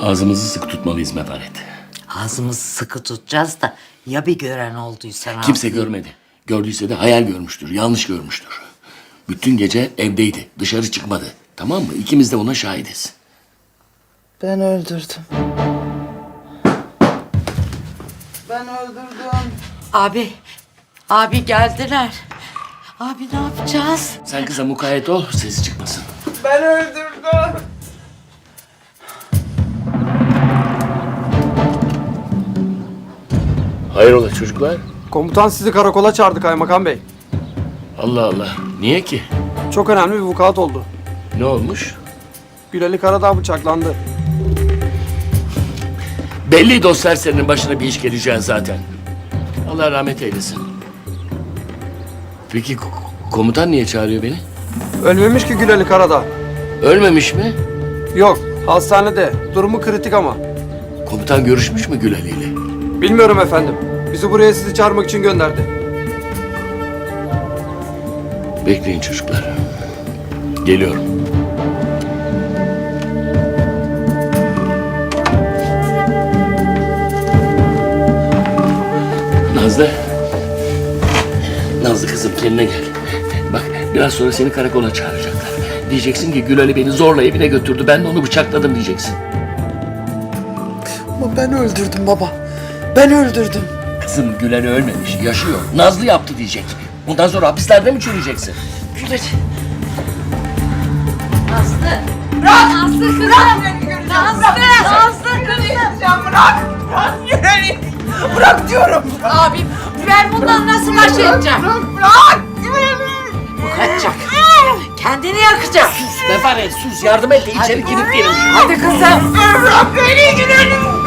Ağzımızı sıkı tutmalıyız Mefaret. Ağzımızı sıkı tutacağız da ya bir gören olduysa? Kimse görmedi. Gördüyse de hayal görmüştür, yanlış görmüştür. Bütün gece evdeydi, dışarı çıkmadı. Tamam mı? İkimiz de ona şahidiz. Ben öldürdüm. Ben öldürdüm. Abi geldiler. Abi ne yapacağız? Sen kıza mukayyet ol, sesi çıkmasın. Ben öldürdüm. Hayrola çocuklar? Komutan sizi karakola çağırdı kaymakam bey. Allah Allah. Niye ki? Çok önemli bir vukuat oldu. Ne olmuş? Gülali Karadağ bıçaklandı. Belli dostlar senin başına bir iş geleceğin zaten. Allah rahmet eylesin. Peki komutan niye çağırıyor beni? Ölmemiş ki Gülali Karadağ. Ölmemiş mi? Yok, hastanede. Durumu kritik ama. Komutan görüşmüş mü Gül Ali ile? Bilmiyorum efendim. Bizi buraya sizi çağırmak için gönderdi. Bekleyin çocuklar. Geliyorum. Nazlı. Nazlı kızım kendine gel. Bak biraz sonra seni karakola çağıracaklar. Diyeceksin ki Gül Ali beni zorla evine götürdü. Ben de onu bıçakladım diyeceksin. Ama ben öldürdüm baba. Ben öldürdüm. Kızım Gül Ali ölmemiş, yaşıyor. Nazlı yaptı diyecek. Bundan sonra hapislerde mi çürüyeceksin? Gülali. Nazlı kızım. Bırak Güleni. Bırak diyorum. Abim ben bundan nasıl baş edeceğim? Bırak Güleni. Bu kaçacak. Kendini yakacak. Mefaret sus yardım et de içeri kilitleyelim şunu. Hadi kızım. Bırak beni Güleni.